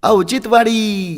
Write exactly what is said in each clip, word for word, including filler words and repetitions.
औचित्यवाडी.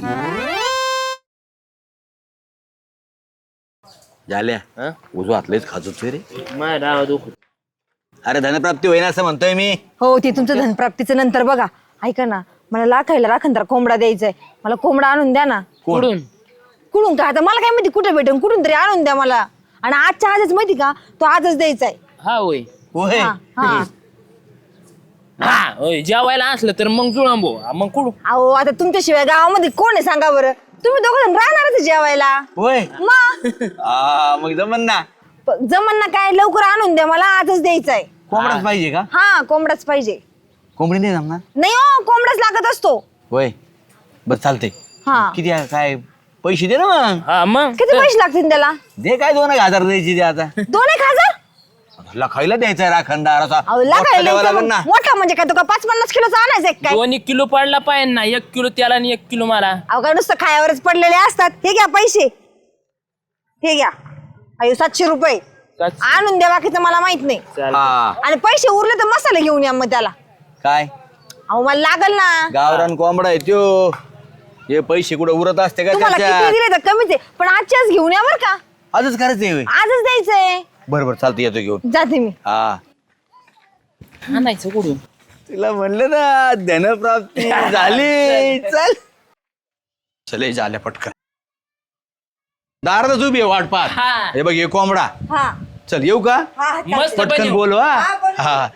झाल्या उजवा हातलेच खाजूच रे. माझ्या डावा दुखत. अरे धनप्राप्ती होईना असं म्हणतोय मी. हो ते तुमचं धनप्राप्तीचं नंतर बघा. ऐका ना, मला लाखायला राखणदार कोंबडा द्यायचाय. मला कोंबडा आणून द्या ना. कुठून कुठून का आता मला काय माहिती कुठे भेटेन, कुठून तरी आणून द्या मला. आणि आजच्या आजच माहिती का, तो आजच द्यायचाय. हा होय होय हा, हा. हा होय जेवायला असलं तर मग जुळांबो मग कुठून. अहो आता तुमच्याशिवाय गावामध्ये कोण आहे सांगा बरं. तुम्ही दोघं जण राहणारच जेवायला. होय मग आ, मग जमन ना. प- जमन ना काय, लवकर आणून द्या मला, आजच द्यायचाय. कोंबडाच पाहिजे का? हा कोंबडाच पाहिजे. कोंबडी नाही जमणार. नाही हो, कोंबडाच लागत असतो. होय बस चालते. हा किती आहे, काय पैसे दे ना मग. हा मग किती पैसे लागतील त्याला? दे काय दोन एक हजार द्यायची दे आता. दोन एक हजार? खायला द्यायचा राखणदार असा अहो, मोठा लागायला द्यावा इतकं लागेल ना. मोठा म्हणजे काय, तो का पाच पन्नास किलोचा आणायचा काय? दोन एक किलो पडला पाहिजे ना, एक किलो त्याला आणि एक किलो मला. अहो काय नुसतं खायावरच पडलेले असतात. हे घ्या पैसे, हे घ्या. अयो सातशे रुपये सातशे. आणून द्या, बाकीचं मला माहित नाही. चालेल. हा आणि पैसे उरले तर मसाले घेऊन या मग त्याला. काय अहो मला लागल ना. गावरान कोंबडा आहे त्यो. हे पैसे कुठे उरत असते का तुम्हाला किती त्याच्यात? दिले तर कमीच आहे, पण आजच्या आज घेऊन या बरं का. आजच करायचंय होय. आजच द्यायचंय. बरोबर चालतं येतो घेऊन. जाते मी. हा आणायचं कुठून. तिला म्हणलं ना धनप्राप्ती झाली. चल चले झाल्या पटकन. दारातच उभी आहे वाट पाहत. हा. हे बघ हे कोंबडा. हा चल येऊ का? हा मस्त पटकन बनव. बोलवा. हा, बोलवा. हा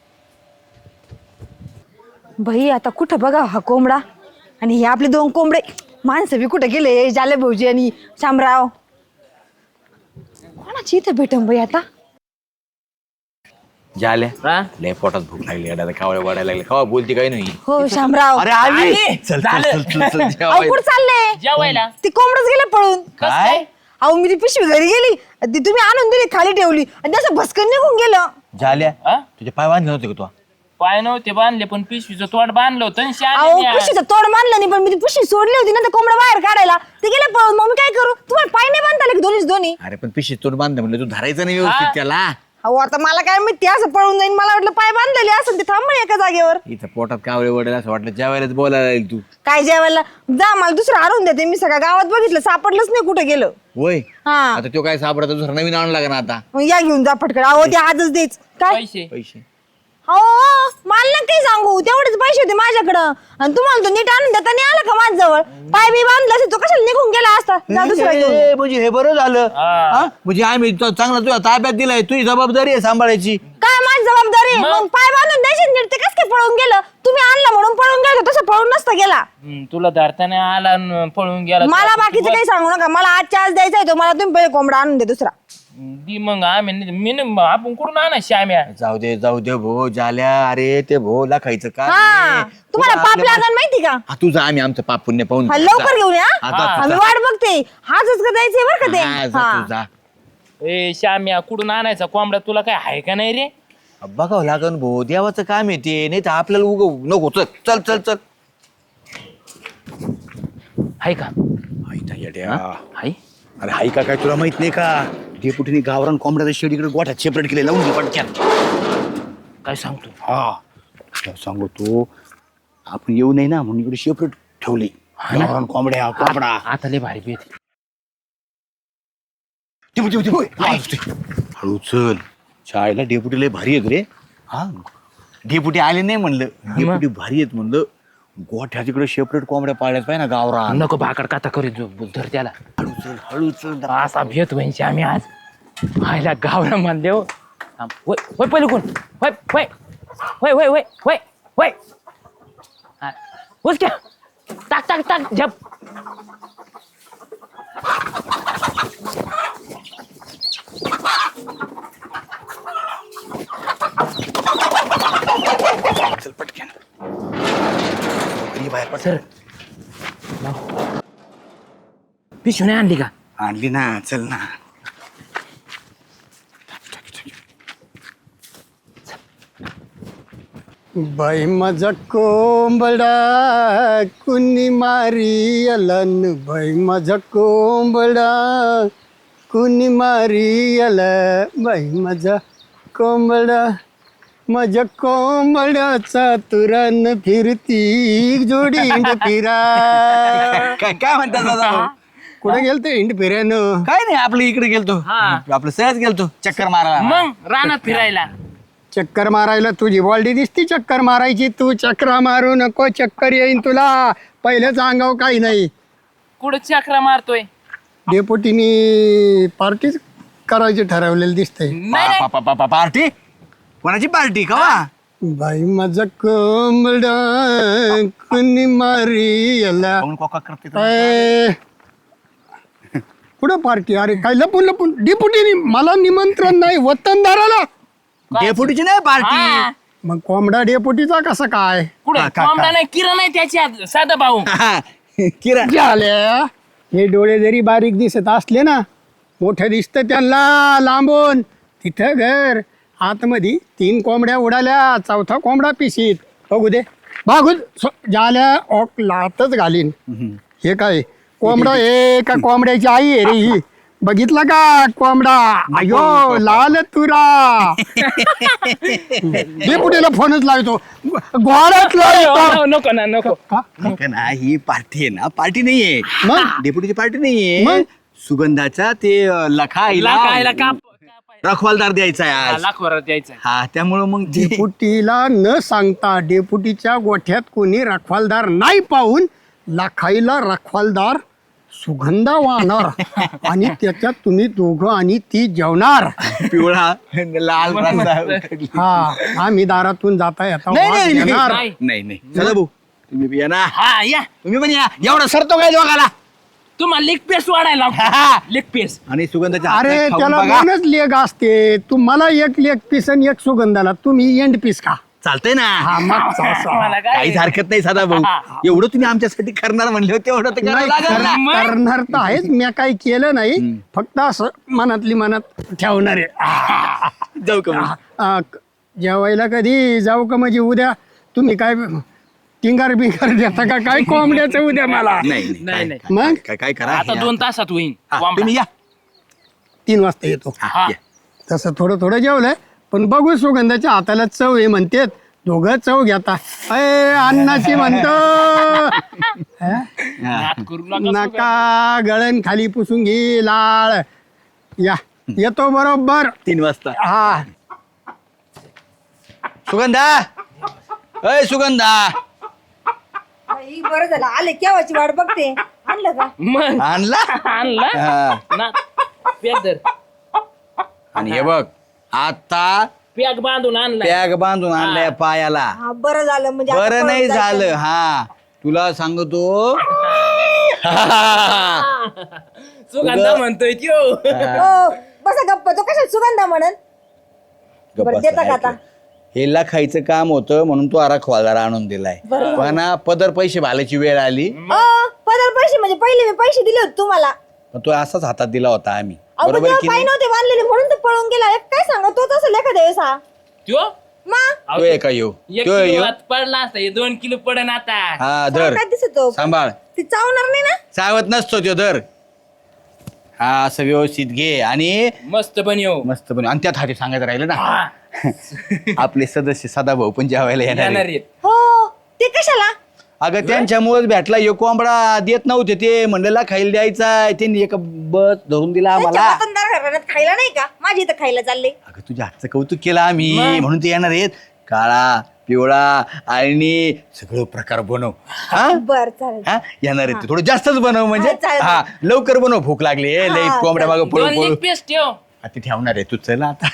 भाई आता कुठं बघा हा कोंबडा, आणि हे आपले दोन कोंबडे माणसं बी कुठे गेले, जाले भाऊजी आणि शामराव. कोणाची इथं भेटन बाई आता. झाल्या हा? लय पोटात भूक लागली आता. कावळे वाढायला लागले. खावा बोलती काही नाही. हो शामराव. अरे आली. आली. चल चल झालं. चल चल चल अहो जेवायला. कुठं चालले? जेवायला ती कोंबडच गेले पळून. काय अहो मी ती पिशवी घरी गेली, ती तुम्ही आणून दिली, खाली ठेवली आणि त्याचं भस्कन निघून गेलं. झाल्या हा? तुझे पाय बांधले नव्हते का तू? पाय नव्हते बांधले पण पिशवीचं तोंड बांधलं होतं आणि अहो श्यामीने आज- पिशवीचं तोड मानलं नाही, पण मी ती पिशवी सोडली होती ना, तर कोंबडा बाहेर काढायला ते गेले पळून. मग मी काय करू? तुम्हाला पाय नाही बांधता आले दोन्हीच दोन्ही? अरे पण पिशी तोंड बांधलं म्हणलं तू धरायचं नाही व्यवस्थित हा. त्याला. अहो आता मला काय माहिती, असं पळून जाईन. मला वाटलं पाय बांधलेले असं, ते थांबणे एका जागेवर. इथं पोटात कावळे वडेल असं वाटलं जेवायलाच बोलायला येईल तू. काय जेवायला जा, मला दुसरं आणून देते. मी सगळ्या गावात बघितलं, सापडलंच नाही कुठे गेलं. होय हा आता तो काय सापडा दुसरा नवीन आणला का ना आता. मग या घेऊन जा पटकन. अहो ते आजच देच काय. पैसे पैसे हो मला ना काही सांगू, तेवढेच पैसे होते माझ्याकडं. आणि तुम्हाला तो नीट आणून देता नाही आला का माझ्याजवळ? पाय बी बांधला असेल तो कशाला निघून गेला असता. जा दुसरा घेऊन. ए, म्हणजे हे बरं झालं. हा. हा? म्हणजे आम्ही तो चांगला तुझ्या ताब्यात दिलाय. तुझी जबाबदारी आहे सांभाळायची. काय माझी जबाबदारी? मग? मग पाय बांधून द्यायचे नीट. ते कसं काय पळून गेलं? तुम्ही आणला म्हणून पळून गेलो, तसं पळून नसता गेला. हम्म, तुला धरताना आला आणि पळून गेला. मला बाकीचं काही सांगू नका. मला आजच्या आज द्यायचा आहे तो. मला तुम्ही पहिले कोंबडा आणून दे दुसरा. दी मग आम्ही नाही- मी नाही- आपण कुठून आणा श्याम्या. जाऊ दे जाऊ दे भो झाल्या. अरे ते भो ला खायचं का हा तुम्हाला पाप लागल माहिती का? हा तुझं आम्ही आमचं पाप पुण्य पाहून हा, लवकर घेऊन या. हा, जा, आम्ही वाट बघते. हाच का द्यायचंय बरं का ते. हा, जा हा. तू जा. ए श्याम्या कुठून आणायचा कोंबडा तुला काय आहे का नाही रे? बघावं लागन भो. देवाचं काम आहे ते. नाही तर आपल्याला उग नको. चल चल चल चल. आहे का? आहे अरे हाय का काय तुला माहित नाही का? डेपुटीने गावरान कोंबड्याचं शेड इकडे गोठ्यात सेपरेट केले. लावून घे पटक्यात. काय सांगतो? हा तुला सांगू तू, आपण येऊ नये ना म्हणून इकडे सेपरेट ठेवली गावरान कोंबड्या. कोंबडा आता लय भारी पेट. डेपुटी डेपुटी हळू चल. शाळेला डेपुटी लय भारी आहेत रे. हा डेपुटी आले नाही म्हणलं. डेपुटी भारी आहेत म्हणलं. गोठ्यात इकडे सेपरेट कोंबड्या पाळल्यात पाहिजे ना गावरान. नको भाकड काता करीत धर त्याला. हळू चल हळू चल. असा भेट होईन श्याम्या आज. आयला गावरा मानले हो. थांब. होय होय पहिले कोण? होय होय होय होय होय होय होय हा. उच क्या टाक टाक टाक झप. चल पटक्यान. बाहेर पट. सर पिशवी नाही आणली का? आणली ना. चल ना. बाई माझा कोंबडा कुणी मारी अलन. बाई माझा कोंबडा कुणी मारी आला. बाई माझा कोंबडा माझ्या कोंबड्याचा तुरण फिरती जोडी हिंड फिरा. काय काय म्हणतात दादा कुठे गेलते हिंड फिरायनं? काय नाही आपलं इकडे गेलतो आपलं सहज गेलतो चक्कर मारायला मग रानात फिरायला. चक्कर मारायला तुझी बॉल्डी दिसती चक्कर मारायची. तू चक्र मारू नको, चक्कर येईन तुला. पहिलेच अंगाव काही नाही. कुठं चक्रा मारतोय? डेपुटीनी पार्टीच करायची ठरवलेलं दिसतंय. नाही नाही. पा- पा- पा- पार्टी कोणाची पार्टी कवा बाई माझा कोंबडा कुणी मारी याला. पाहून कोका करते तर. ए, कुठं पार्टी? अरे काय लपून लपून डेपुटीनी मला निमंत्रण नाही वतनदाराला. डेपुटीची नाही पार्टी हा. मग कोंबडा डेपुटीचा कसं काय? कुठं कोंबडा नाही, किरण नाही त्याच्यात, साधा भाऊ. किरण झाल्या हे डोळे जरी बारीक दिसत असले ना, मोठं दिसतं त्यांना लांबून. तिथं घर आतमध्ये तीन कोंबड्या उडाल्या, चौथा कोंबडा पिशीत. बघू दे बघू झाल्या ओक लातच घालीन. हे काय कोंबडा हे का कोंबड्याची आई आहे रे ही? बघितला का कोंबडा? अयो लाल तुरा. डेपुटीला फोनच लावतो, घोडाच लावतो. नको ना नको. का? का ना ही पार्टी आहे ना पार्टी नाहीये मग डेपुटीची पार्टी मग? नाहीये सुगंधाचा ते अं, लखा लाखायला आईला काप रखवालदार द्यायचा आहे आज. लाख वरात द्यायचं. हा त्यामुळं मग ते- डेपुटीला न सांगता डेपुटीच्या गोठ्यात कोणी रखवालदार नाही पाहून लाखाईला रखवालदार सुगंधा वाहणार आणि त्याच्यात तुम्ही दोघं आणि ती जेवणार. पिवळा लाल रस्सा. हा आम्ही दारातून जाता येता नाही, वास नाही, घेणार. नाही. नाही नाही चला भाऊ तुम्ही बी या ना हा या. तुम्ही पण या एवढा सरतो काय दोघाला तुम्हाला लेग पीस वाढायला लेग पीस. आणि सुगंधाच्या अरे हातात खाऊन त्याला बघा. दोनच लेग असते. तुम्हाला एक लेग पीस आणि एक सुगंधाला, तुम्ही एंड पीस का? चालतंय ना हा मग चा- मला काय काहीच हरकत नाही साधा भाऊ एवढं तुम्ही आमच्यासाठी करणार म्हणले होते तेवढं तर करावं नाही, लागेल ना. कर- करणार तर आहेच. मी काही केलं नाही, फक्त असं मनातली मनात ठेवणार आहे. जाऊ का मग? आ, क- जेवायला कधी जाऊ का? म्हणजे उद्या तुम्ही काय टिंगार बिंगार देता का काय कोंबड्याचं उद्या मला? नाही नाही, नाही नाही. काय- मग काय काय करा आता हे दोन तासात होईल. हा, कोंबडा. तुम्ही या तीन वाजता येतो. हा, हा. या. तसं थोडं थोडं जेवलंय, पण बघू सुगंधाच्या हाताला चव आहे म्हणतेत. दोघं चव घेता. अय अन्नाची म्हणतो. हा? नाद करू नका. नका गळण खाली पुसून घे लाळ. या येतो बरोबर. तीन वाजता हा सुगंधा अय सुगंधा बाई, बरं झालं आले, केव्हाची वाट बघते. आणलं का? मग आणला आणला हा. ना. पॅक धर. आणि हे बघ आता पॅक बांधून आणला. पॅग बांधून आणलाय पायाला हा बरं झालं म्हणजे आता बरं नाही पळून जायचं. झालं हा तुला सांगतो सुगंधा म्हणतोय त्यो. हो, बसा गप्प. तो कशाला सुगंधा म्हणन? बरं, देता का आता? हेला खायचं काम होतं म्हणून तो आरा खवालदार आणून दिलाय पण हा पदर पैसे भालायची वेळ आली अ, पदर पैसे म्हणजे पहिले मी पैसे दिले होते तुम्हाला. पण तो असाच हातात दिला होता आम्ही अहो, पण बरोबर तेव्हा की पाय नाही नव्हते बांधलेले म्हणून तो पळून गेला. एक काय सांगा, तो तसं एखाद्या वेळेस हा. त्यो मा तो आहे का यो एक तो आहे किलो यो आत पडला असता, हे दोन किलो पडन आता. हा धर काय दिसतो? सांभाळ ती चावणार नाही ना? चावत नसतो तो धर हा असं व्यवस्थित घे आणि मस्त बनव. मस्त पण आणि त्यात हाती सांगायचं राहिलं ना हा. आपले सदस्य सदाभाऊ पण जेवायला येणार येणार आहेत. आहेत. हो, ते कशाला? अगं त्यांच्यामुळेच भेटला यो कोंबडा देत नव्हते ते म्हणलेला खायला द्यायचा त्यांनी एक बस धरून दिला त्यांच्या आम्हाला वतनदार घराण्यात खायला नाही का? माझी इथं खायला चालले. अगं तुझ्या हातचं कौतुक केलं आम्ही म्हणून ते येणार आहेत काळा पिवळा आणि सगळं प्रकार बनव हा बर चालेल. हा येणार आहेत ते. थोडं जास्तच बनव म्हणजे हा, चालेल. हा लवकर बनव भूक लागली ए, लई हा, कोंबड्या मागं पळू दोन पळू लेग पीस ठेव. आता ठेवणार आहे तू चल आता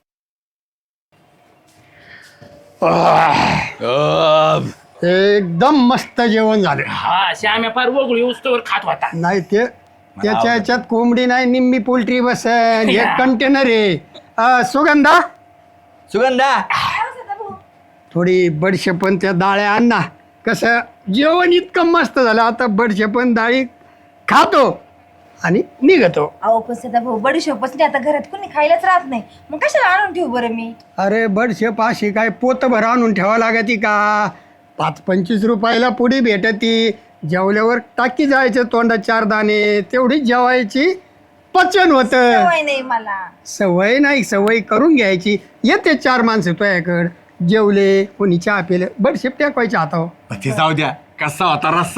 अं, एकदम मस्त जेवण झालं. हा श्याम्या फार वगळी उस्तवर खात होता. नाही ते त्याच्या ह्याच्यात कोंबडी नाही, निम्मी पोल्ट्री बसन. एक कंटेनर आहे. अ, सुगंधा सुगंधा थोडी बडशेपण त्या डाळ्या आण ना. कसं जेवण इतकं मस्त झालं, आता बडशेपण डाळी खातो आणि निघतो. अहो पण सदा भाऊ, बडीशोपच नाही आता घरात कोणी खायलाच राहत नाही, मग कशाला आणून ठेवू बरं मी? अरे बडशेप अशी काय पोतभर आणून ठेवा लागती का? पाच पंचवीस रुपयाला पुडी भेटती. जेवल्यावर टाकी जायचं तोंडात चार दाणे, तेवढीच जेवायची पचन होतं. सवय नाही मला. सवय नाही, सवय करून घ्यायची. येते चार माणसं तुझ्याकडं जेवले कोणी चहा पिले बडशेप टाकायच्या हातावर. ते जाऊ द्या कसा होता रस्सा.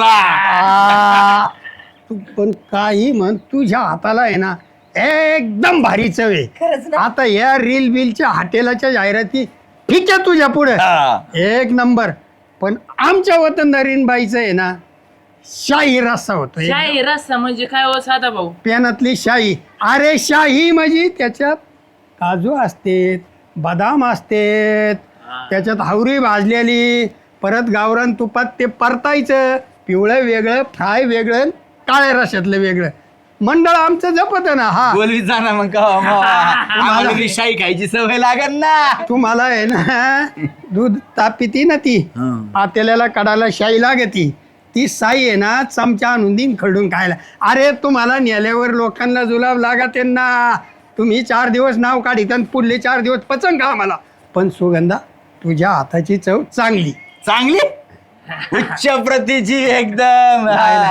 आ, तू पण काही म्हण तुझ्या हाताला आहे ना एकदम भारी चव खरंच आहे. ना? आता या रील बिलच्या हॉटेलाच्या जाहिराती ठीक आहे तुझ्या पुढे हा. एक नंबर. पण आमच्या वतनदारीन बाईचं आहे ना शाही रस्सा होतो एक शाही रस्सा म्हणजे काय हो साधा भाऊ? पॅनातली शाही. अरे शाही म्हणजे त्याच्यात काजू असते बदाम असते त्याच्यात हावरी भाजलेली परत गावरान तुपात ते परतायचं पिवळं वेगळं फ्राय वेगळं काळ्या रशातलं वेगळं. मंडळ आमचं जपत ना. हा बोलवीत जाणार मग का आम्हाला बी शाही खायची सवय लागेल ना. तुम्हाला आहे ना दूध तापिती ना ती आतेल्याला काढायला शाई लागती ती साई आहे ना चमचा आणून देईन खरडून खायला. अरे तुम्हाला नेल्यावर लोकांना जुलाब लागत ना. तुम्ही चार दिवस नाव काढित आणि पुढले चार दिवस पचन खा मला. पण सुगंधा तुझ्या हाताची चव चांगली चांगली उच्च प्रतीची एकदम.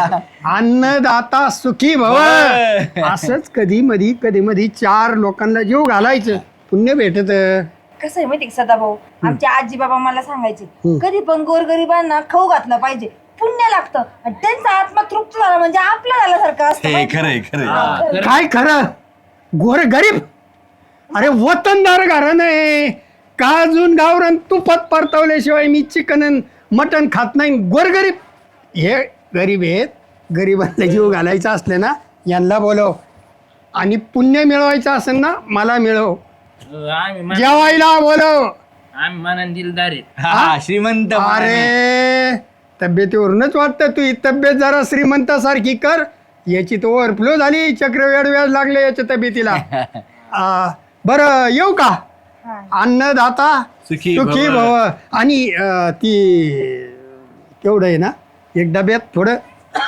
अन्नदाता सुखी भव. असंच कधी मधी कधी मधी चार लोकांना जीव घालायचं पुण्य भेटत. कसं आहे माहिती सदा भाऊ आमच्या आजी बाबा मला सांगायचे कधी पण गोरगरिबांना खाऊ घातलं पाहिजे पुण्य लागतं आणि त्यांचा आत्मा तृप्त झाला म्हणजे आपलं झाल्यासारखं असतं हे माहिती? खरंय खरंय. हा, खरं. काय खरं गोर गरीब. अरे वतनदार घराणं आहे काजून गावरान तुपात परतवल्याशिवाय मी चिकन मटण खात नाही. गोरगरीब हे गरीब आहेत. गरिबांना जीव घालायचा असले ना यांना बोलव आणि पुण्य मिळवायचं असेल ना मला मिळव. आम्ही मन- जेवायला बोलव. आम्ही मनान दिलदार आहेत. हा श्रीमंत माणूस. अरे तब्येतीवरूनच वाटतं तू ही तब्येत जरा श्रीमंतासारखी कर. याची तो ओव्हरफ्लो झाली चक्रव्याड व्याज लागले याच्या तब्येतीला. आ, बरं येऊ का. अन्नदाता सुखी सुखी भव. भव. आणि अं, ती केवढं आहे ना एक डब्यात थोडं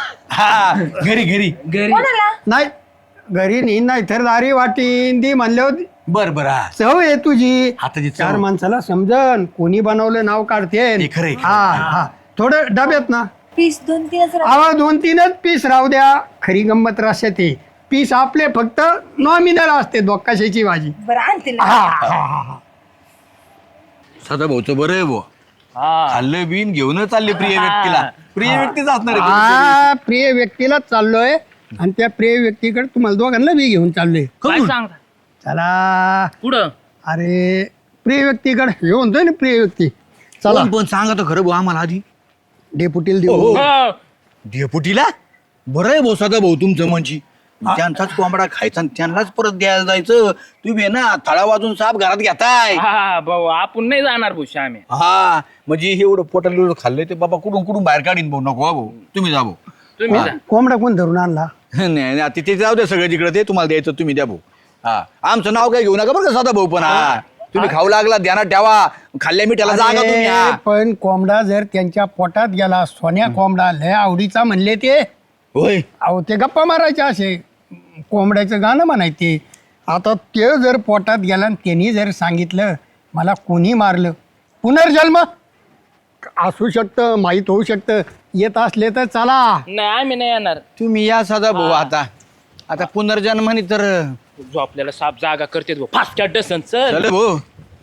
हा घरी घरी घरी कोणाला नाही घरी नाही नाही तर दारी वाटीन ती म्हणल्यावर बर बर हा चव आहे तुझी. हाताची चव. चार माणसाला समजन कोणी बनवलं नाव काढते. हे खरंय, खरंय. हा हा थोडं डब्यात ना पीस दोन तीनच राहतात. आवा दोन तीनच पीस राहू द्या. खरी गंमत रश्यात आहे पीस आपले फक्त नॉमिनल असते दोक्काशाची भाजी. बरं आणतील हा हा हा हा. सदा भाऊचं बरं आहे भाऊ. हा खाल्लं बिन घेऊनच चालले प्रिय व्यक्तीला. प्रिय व्यक्तीच असणार आहे. हा प्रिय व्यक्तीलाच चाललोय आणि त्या प्रिय व्यक्तीकडे तुम्हाला दोघांना मी घेऊन चाललोय. काय सांगता चला पुढं अरे प्रिय व्यक्तीकडे हे म्हणतोय ना प्रिय व्यक्ती. चला कोण पण सांगा तर खरं भाऊ आम्हाला आधी. डेपुटीला देऊ. हो. डेपुटीला बरं आहे भाऊ सदा भाऊ तुमचं म्हणजे त्यांचाच कोंबडा खायचा आणि त्यांनाच परत द्यायला जायचं. तुम्ही आहे ना थळा वाजून साप घरात घेताय. हा भाऊ आपण नाही जाणार भाऊ श्यामे. हा म्हणजे हे एवढं पोटाला खाल्लंय ते बाबा कुठून कुठून बाहेर काढीन भाऊ. नको हा भाऊ तुम्ही जा भाऊ. तुम्ही जा. कोंबडा कोण धरून आणला. नाही नाही, तिथे जाऊ द्या सगळं जिकडे ते तुम्हाला द्यायचं तुम्ही द्या भाऊ. हा आमचं नाव काय घेऊ नका बरं का सदा भाऊ. पण हा तुम्ही खाऊ लागला ध्यानात ठेवा. खाल्ल्या मिठाला जागा तुम्ही. अरे, हा. पण कोंबडा जर त्यांच्या पोटात गेला सोन्या कोंबडा लय आवडीचा म्हणले ते होय अहो ते गप्पा मारायचे असे कोंबड्याचं गाणं म्हणायचे. आता ते जर पोटात गेला आणि त्यांनी जर सांगितलं मला कोणी मारलं पुनर्जन्म असू शकतं माहीत होऊ शकतं. येत असले तर चला. नाही आम्ही नाही येणार. तुम्ही या सदा भाऊ. आता आता पुनर्जन्मानी तर जो आपल्याला साप जागा करते भाऊ फास्ट डसन चल. चल भाऊ.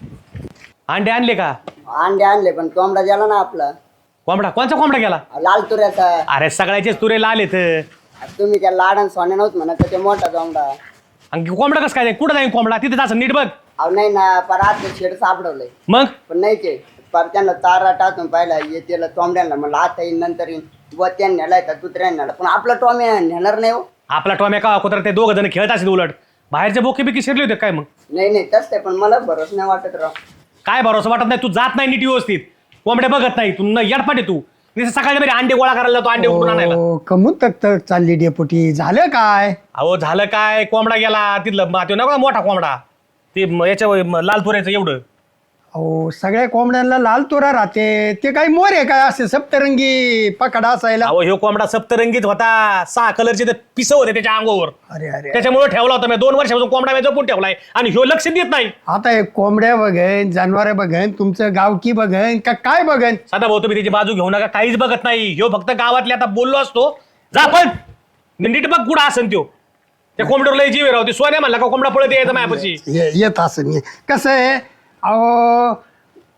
अंडे आणले का? अंडे आणले पण कोंबडा गेला ना आपला कोंबडा कोणचा कोंबडा गेला? लाल तुऱ्याचा. अरे सगळ्याचेच तुरे लाल येत. तुम्ही त्या लाडन सोन्या नव्हत म्हणत तर ते मोठा कोंबडा. आणि कोंबडा कसं काय कुठं जाईल कोंबडा तिथे जायचं नीट बघ. अहो नाही ना पर आज शेड सापडवलंय मग पण नाही ते पर त्यांना तारा टाकून पाहिला येतेला टोंबड्यांना म्हणलं आता येईन नंतर येईन व त्यांनी नेलाय तर दुसऱ्याने नेला पण आपला टॉमी नेणार नाही हो. आपला टॉम्या का कुत्र ते दोघ जण खेळत असेल उलट बाहेरचे बोके बिकी शिरले होते काय? मग नाही नाही तसं आहे पण मला भरोस नाही वाटत राव. काय भरोसा वाटत नाही. तू जात नाही नीट व्यवस्थित कोंबड्या बघत नाही. तू यडपाटे तू सकाळी बरे अंडे गोळा करायला जातो अंडे उकडून आणायला. ओ, कमून तक तक चालली डेपुटी झालं काय. अहो झालं काय कोंबडा गेला तिथलं मा- तो नका मोठा कोंबडा ते म- याच्या म- लाल तुऱ्याचं एवढं. अहो सगळ्या कोंबड्यांना लाल तोरा राहते ते काही मोर आहे काय असे सप्तरंगी पकडा असायला. अहो ह्यो कोंबडा सप्तरंगीत होता. सहा कलरचे पिस होते त्याच्या अंगावर. अरे अरे त्याच्यामुळे ठेवला होता मी दोन वर्षापासून कोंबडा मी जपून ठेवलाय आणि ह्यो लक्ष देत नाही. आता हे कोंबड्या बघन जनावर बघन तुमचं गावकी बघन का काय बघन. साधा भाऊ तुम्ही त्याची बाजू घेऊ नका काहीच बघत नाही. ह्यो फक्त गावातले आता बोललो असतो जा पण नीट बघ कुठं असन त्यो त्या कोंबड्यावर लय जीव राहते. सोन्या म्हणला का कोंबडा पळत यायचा मायापाशी. ये- येत असं कसं आहे अहो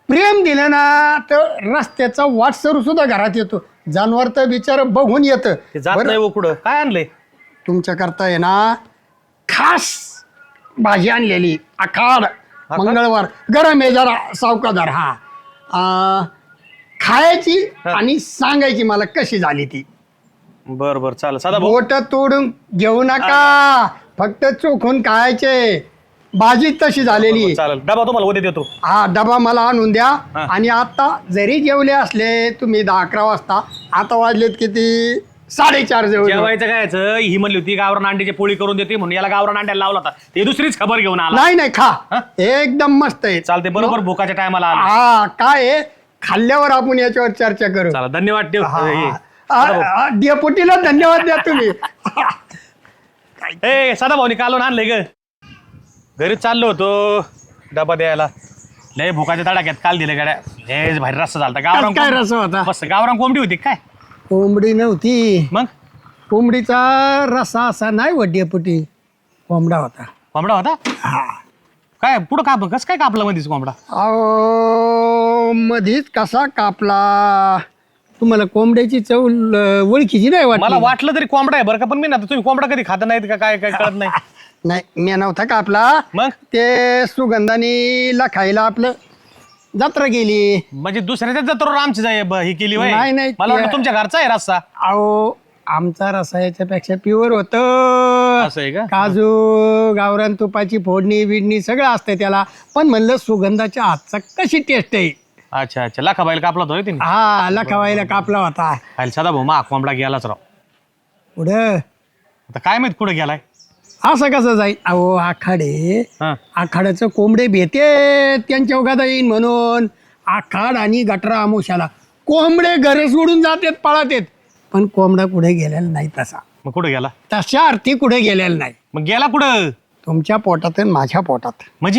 प्रेम दिलं ना तर रस्त्याचा वाटसरू सुद्धा घरात येतो. जनावर तर बिचार बघून येतं. ते जात बरं, नाही हो कुठं. काय आणलंय? तुमच्या करता आहे ना खास भाजी आणलेली आखाड मंगळवार गरम आहे जरा सावकादार. हा आ, खायची आणि सांगायची मला कशी झाली ती. बर बर चालेल. सदा भाऊ बोट तोडून घेऊ नका, फक्त चोखून खायचे. भाजी तशी झालेली. चालेल. डबा तुम्हाला उद्या देतो. हा डबा मला आणून द्या. आणि आता जरी जेवले असले तुम्ही दहा अकरा वाजता, आता वाजलेत किती साडेचार जेवले. जेवायचं काय ही म्हणली होती गावरान अंड्याची पोळी करून देते म्हणून याला गावरान अंड्याला लावला होता. ते दुसरीच खबर घेऊन आला. नाही नाही खा, हा? एकदम मस्त आहे. चालते बरोबर भुकाच्या टायमाला आला. हा काय आहे, खाल्ल्यावर आपण याच्यावर चर्चा करू. चला धन्यवाद ठेव. हे. हा, डेपुटीला धन्यवाद द्या तुम्ही. ए सदा भाऊनी कालून आणलंय ग. घरी चाललो होतो डबा द्यायला. लय भुकाच्या तडाख्यात काल दिले गाड्या. लय भारी रस्सा झालता. गावरान काय कोंब- रस्सा होता? मस्त गावरान कोंबडी होती काय. कोंबडी नव्हती, मग कोंबडीचा रसा असा नाही व डेपुटी, कोंबडा होता. कोंबडा होता. काय पुढं काप कसं काय कापला मध्येच कोंबडा. अहो मधीच कसा कापला. तुम्हाला कोंबड्याची चव ल- ओळखीची नाही मला वाटली? वाटलं तरी कोंबडा आहे बरं का, पण मी ना तुम्ही कोंबडा कधी खाता नाहीत का काय काय कळत नाही. नाही मी नव्हता कापला. मग ते सुगंधानीला खायला आपलं जत्रा गेली. म्हणजे दुसऱ्याच्या जत्रेवर आमची जाय ब- ही केली वय. नाही, नाही, मला वाटलं ते- तुमच्या घरचा आहे रस्सा. अहो आमचा रसा याच्यापेक्षा प्युअर होत. असं आहे का? काजू गावरान तुपाची फोडणी बिडणी सगळं असतंय त्याला. पण म्हणलं सुगंधाच्या हातचा कशी टेस्ट आहे. अच्छा अच्छा लाखा बाईल कापला तो तिने. हा लखावायला कापला होता. खायला सदा भाऊ मा कोंबडा गेलाच राव. पुढं आता काय माहित कुठं गेलाय. असं कसं जाईल. अहो आखाडे हा. आखाड्याचं कोंबडे भेटे त्यांच्या उगादा येईन म्हणून. आखाड आणि गटरा आमुशाला कोंबडे घरे सोडून जातात पळत येत. पण कोंबडा कुठे गेलेला नाही तसा. मग कुठं गेला. तशा अर्थी कुठे गेलेला नाही. मग गेला कुठं. तुमच्या पोटात आणि माझ्या पोटात. म्हणजे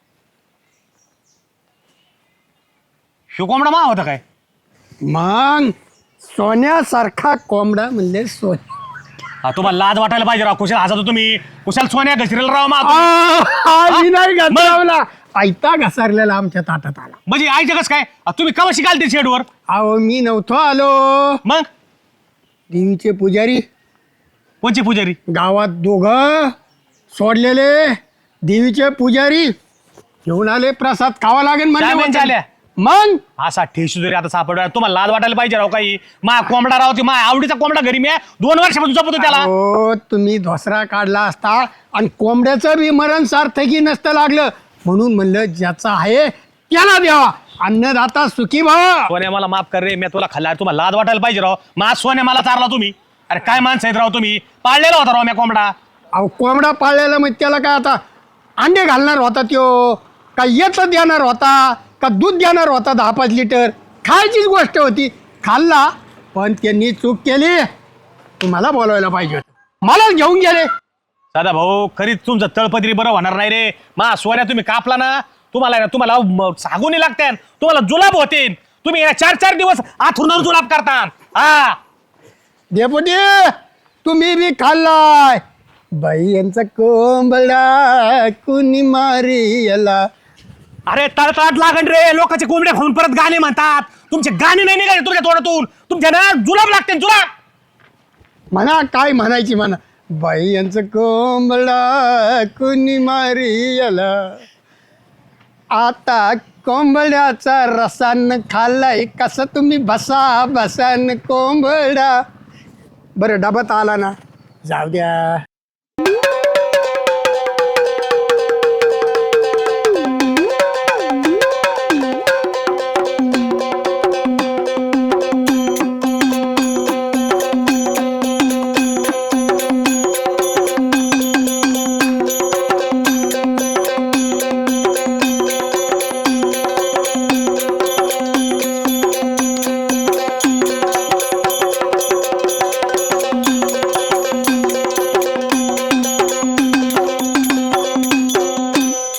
ह्यो कोंबडा मा होता काय. मग सोन्यासारखा कोंबडा म्हणजे सोन्या. हा, तुम्हाला लाज वाटायला पाहिजे राव. कुशाल हसा तुम्ही. कुशाल सोन्या घसरेल राव मा. आम्ही नाही घसरवला, आयता घसरलेला आमच्या ताटात आला. म्हणजे आईच्या कसं काय आ, तुम्ही कवा शिकाल ते शेडवर. अहो मी नव्हतो आलो. मग देवीचे पुजारी कोणची पुजारी. गावात दोघं सोडलेले देवीचे पुजारी घेऊन आले. प्रसाद खावा लागेल काय म्हणजे आल्या. मग असा ठेसू जरी आता सापडला तुम्हाला लाज वाटायला पाहिजे राव. काही मा कोंबडा राव. ते मा आवडीचा कोंबडा घरी मी आहे. दोन वर्षापासून जपतो त्याला. हो तुम्ही धोसरा काढला असता आणि कोंबड्याचं बी मरण सार्थकी नसतं लागलं. म्हणून म्हणलं ज्याचा आहे त्याला द्यावा. अन्नदाता सुखी भावा. सोन्या मला माफ कर रे. मी तुला खाल्ला. तुम्हाला लाज वाटायला पाहिजे राव. मा सोन्या मला चारला तुम्ही. अरे काय माणसं आहेत राव तुम्ही. पाळलेला होता राव मी कोंबडा. अहो कोंबडा पाळलेला मग त्याला काय आता अंडे घालणार होता त्यो का येतं देणार होता का दूध देणार होता दहा पाच लिटर. खायचीच गोष्ट होती. खाल्ला पण त्यांनी चूक केली. तुम्हाला बोलवायला पाहिजे होतं. मलाच घेऊन गेले. दादा भाऊ खरीच तुमचं तळपत्री बरं होणार नाही रे. मा सोन्या तुम्ही कापला ना तुम्हाला तुम्हाला म- सागुनी लागते. तुम्हाला जुलाब होते. तुम्ही या चार चार दिवस आथुरणार जुलाब करता. हा डेपुटी तुम्ही बी खाल्लाय. बाई यांचा कोंबडा कुणी मारी याला. अरे तळतळाट लागण रे. लोकांचे कोंबड्या खाऊन परत गाणे म्हणतात. तुमचे गाणे नाही निघाले तुमच्या तोंडातून. तुमच्या ना जुलाब लागते जुलाब. म्हणा काय म्हणायची म्हणा. बाई यांचं कोंबडा कुणी मारी याला. आता कोंबड्याचा रसान खाल्लाय कसा तुम्ही बसा बसान कोंबडा. बरं डबात आला ना जाऊ द्या.